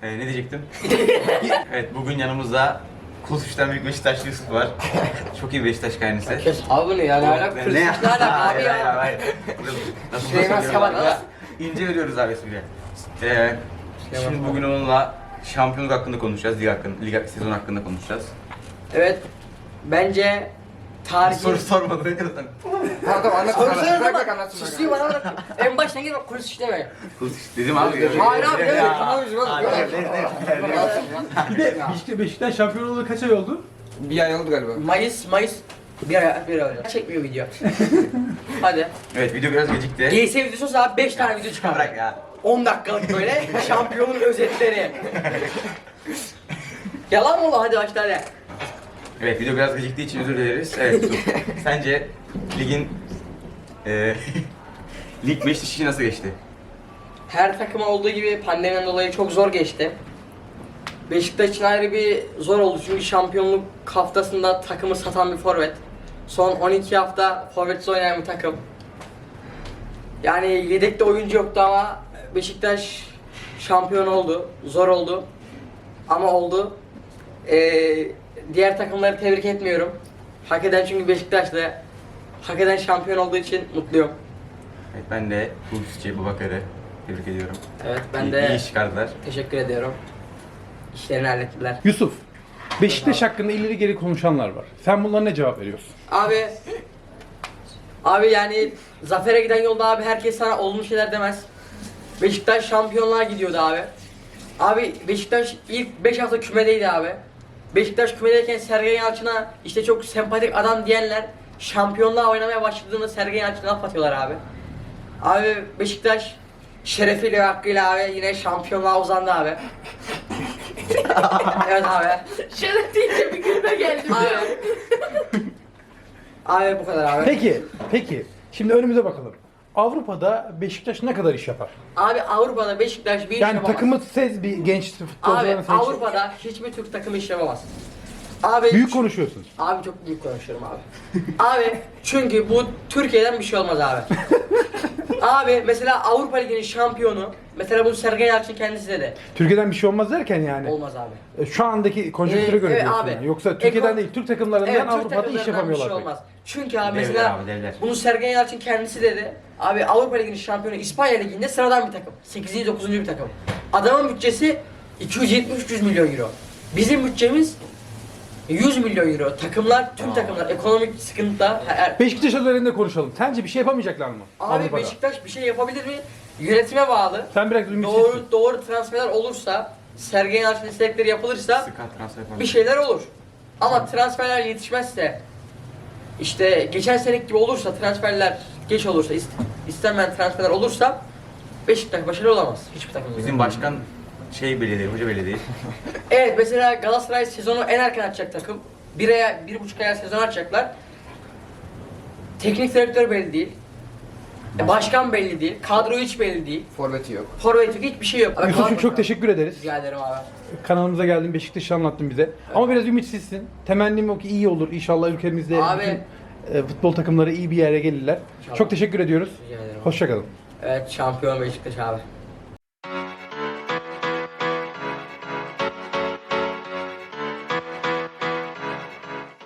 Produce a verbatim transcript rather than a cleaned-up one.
Ee, ne diyecektim? Evet, bugün yanımızda Kulsuş'tan büyük Beşiktaşlı Yusuf var. Çok iyi Beşiktaş kaynısı. Kes abi ne yani alak Ne? kırsız ne alak abi Hayır, hayır, ya. hayır. Nasıl Süleyman söylüyorum Saban abi? ya. İnce veriyoruz abi espriye. Ee, şimdi Saban. bugün onunla şampiyonluk hakkında konuşacağız, lig hakkında, lig sezon hakkında konuşacağız. Evet bence tarihin... Soru sormadan önce zaten. Tamam tamam anlat. Soru anlat. sorun Bırak ama bırak anlatsın. susuyor bana bırak. En baştan gel bak kulis işleme. Kulsuş dedim abi. Hayır abi, evet, Ya. tamam, üzülmem. Hayır, Evet. evet, evet, evet. Bir de Beşiktaş, Beşiktaş şampiyon olalı kaç ay oldu? Bir ay oldu galiba. Mayıs, Mayıs bir ay, bir ay olacak. Çekmiyor video. Hadi. Evet, video biraz gecikti. G S videosu abi beş tane video çıkar. Bırak ya. on dakikalık böyle şampiyonun özetleri. Yalan mı oğlum hadi başla hadi. Evet, video biraz geciktiği için özür dileriz. Evet, Yusuf, sence ligin e, lig Beşiktaş için nasıl geçti? Her takıma olduğu gibi pandemiden dolayı çok zor geçti. Beşiktaş için ayrı bir zor oldu çünkü şampiyonluk haftasında takımı satan bir forvet. Son on iki hafta forvetsiz oynayan bir takım. Yani yedekte oyuncu yoktu ama Beşiktaş şampiyon oldu. Zor oldu. Ama oldu. Ee, diğer takımları tebrik etmiyorum. Hak eden çünkü Beşiktaş'ta. Hak eden şampiyon olduğu için mutluyum. Evet, ben de Kulsuş'u, Babakar'ı tebrik ediyorum. Evet ben İyi, de iyi iş çıkardılar. teşekkür ediyorum. İşlerini hallettiler. Yusuf, Beşiktaş hakkında ileri geri konuşanlar var. Sen bunlara ne cevap veriyorsun? Abi Abi yani zafere giden yolda abi herkes sana olumlu şeyler demez. Beşiktaş şampiyonluğa gidiyordu abi. Abi Beşiktaş ilk beş hafta kümedeydi abi. Beşiktaş kümedeyken Sergen Yalçın'a işte çok sempatik adam diyenler şampiyonluğa oynamaya başladığında Sergen Yalçın'a laf atıyorlar abi. Abi Beşiktaş şerefiyle ve hakkıyla abi yine şampiyonluğa uzandı abi. Evet abi. Şeref deyince bir gülme geldi. Abi. Abi bu kadar abi. Peki, peki. Şimdi önümüze bakalım. Avrupa'da Beşiktaş ne kadar iş yapar? Abi Avrupa'da Beşiktaş bir iş Yani yapamaz. takımı sez bir genç Abi futbolcuların seç. Avrupa'da hiçbir Türk takımı iş yapamaz. Abi Büyük konuşuyorsun. Abi çok büyük konuşuyorum abi. Abi çünkü bu Türkiye'den bir şey olmaz abi. Abi mesela Avrupa Ligi'nin şampiyonu, mesela bunu Sergen Yalçın kendisi dedi. Türkiye'den bir şey olmaz derken yani. Olmaz abi. e, Şu andaki konjonktüre Ee, göre evet diyorsun abi. yani. Yoksa Türkiye'den Eko- değil, Türk takımlarından Evet, Türk Avrupa'da iş takımlarından yapamıyorlar. bir şey pek. olmaz. Çünkü abi Devler mesela abi, devler. bunu Sergen Yalçın kendisi dedi. Abi Avrupa Ligi'nin şampiyonu İspanya Ligi'nde sıradan bir takım. sekizinci dokuzuncu bir takım. Adamın bütçesi iki yüz yetmiş üç yüz milyon euro. Bizim bütçemiz yüz milyon euro. Takımlar, tüm Aa. takımlar ekonomik sıkıntıda. Her- Beşiktaş üzerinde konuşalım. Sence bir şey yapamayacaklar mı? Abi Avrupa'da? Beşiktaş bir şey yapabilir mi? Yönetime bağlı. Sen biraz ümitsizsin. Doğru doğru transferler olursa, Sergen Yalçın istekleri yapılırsa Sıkat transfer falan. bir şeyler olur. Ama transferler yetişmezse, işte geçen seneki gibi olursa, transferler geç olursa, ist- istenmeyen transferler olursa Beşiktaş başarılı olamaz hiçbir takım. Bizim başkan şey belli değil, hoca belli değil. Evet mesela Galatasaray sezonu en erken açacak takım. Bir aya, bir buçuk aya sezon açacaklar. Teknik direktör belli değil. E, Başkan belli değil. Kadro hiç belli değil. Forveti yok. Forvet yok, hiçbir şey yok. Abi, Yusuf'cum kadro- çok teşekkür ederiz. Rica ederim abi. Kanalımıza geldin, Beşiktaş'ı anlattın bize. Ama biraz ümitsizsin. Temennim o ki iyi olur. İnşallah ülkemizde Abi. bütün e, futbol takımları iyi bir yere gelirler. İnşallah. Çok teşekkür ediyoruz. Rica ederim. Hoşçakalın. Evet şampiyon Beşiktaş abi.